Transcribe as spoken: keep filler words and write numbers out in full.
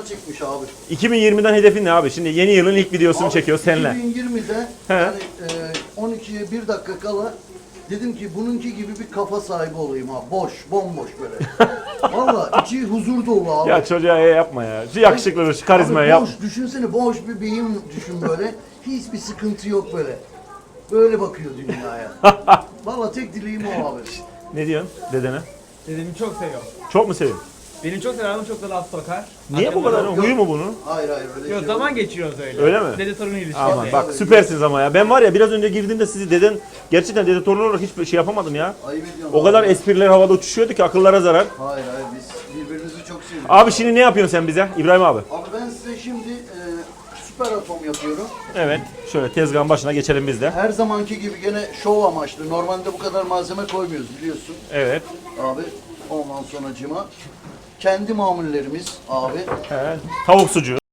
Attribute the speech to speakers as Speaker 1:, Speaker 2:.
Speaker 1: çıkmış abi.
Speaker 2: iki bin yirmiden hedefin ne abi? Şimdi yeni yılın ilk videosunu
Speaker 1: Abi,
Speaker 2: çekiyor seninle.
Speaker 1: iki bin yirmide
Speaker 2: He.
Speaker 1: yani, e, on ikiye bir dakika kala dedim ki bununki gibi bir kafa sahibi olayım abi. Boş, bomboş böyle. Valla içi huzur dolu abi.
Speaker 2: Ya çocuğa e yapma ya. Şu yakışıklılığı, şu karizmayı
Speaker 1: Abi
Speaker 2: yap.
Speaker 1: boş, düşünsene boş bir beyin düşün böyle. Hiçbir sıkıntı yok böyle. Böyle bakıyor dünyaya. Valla tek dileğim o abi.
Speaker 2: Ne diyorsun dedene?
Speaker 3: Dedemi çok seviyorum.
Speaker 2: Çok mu seviyorsun?
Speaker 3: Beni çok sever ama çok da laf sokar.
Speaker 2: Niye bu kadar? Huyu mu bunun?
Speaker 1: Hayır hayır öyle
Speaker 3: Yok
Speaker 1: şey
Speaker 3: zaman
Speaker 1: yok.
Speaker 3: geçiriyoruz öyle.
Speaker 2: Öyle mi?
Speaker 3: Dede torun ilişkisi.
Speaker 2: Aman bak süpersiniz ama ya. Ben var ya biraz önce girdiğimde sizi deden gerçekten dede torun olarak hiçbir şey yapamadım ya.
Speaker 1: Ayıp ediyorsun
Speaker 2: O kadar
Speaker 1: abi.
Speaker 2: espriler havada uçuşuyordu ki akıllara zarar.
Speaker 1: Hayır hayır biz birbirimizi çok seviyoruz.
Speaker 2: Abi şimdi ne yapıyorsun sen bize İbrahim abi?
Speaker 1: Abi ben size şimdi e, süper atom yapıyorum.
Speaker 2: Evet. Şöyle tezgahın başına geçelim biz de.
Speaker 1: Her zamanki gibi gene şov amaçlı. Normalde bu kadar malzeme koymuyoruz biliyorsun.
Speaker 2: Evet.
Speaker 1: Abi ondan sonracıma kendi mamullerimiz abi.
Speaker 2: Evet. Tavuk sucuğu.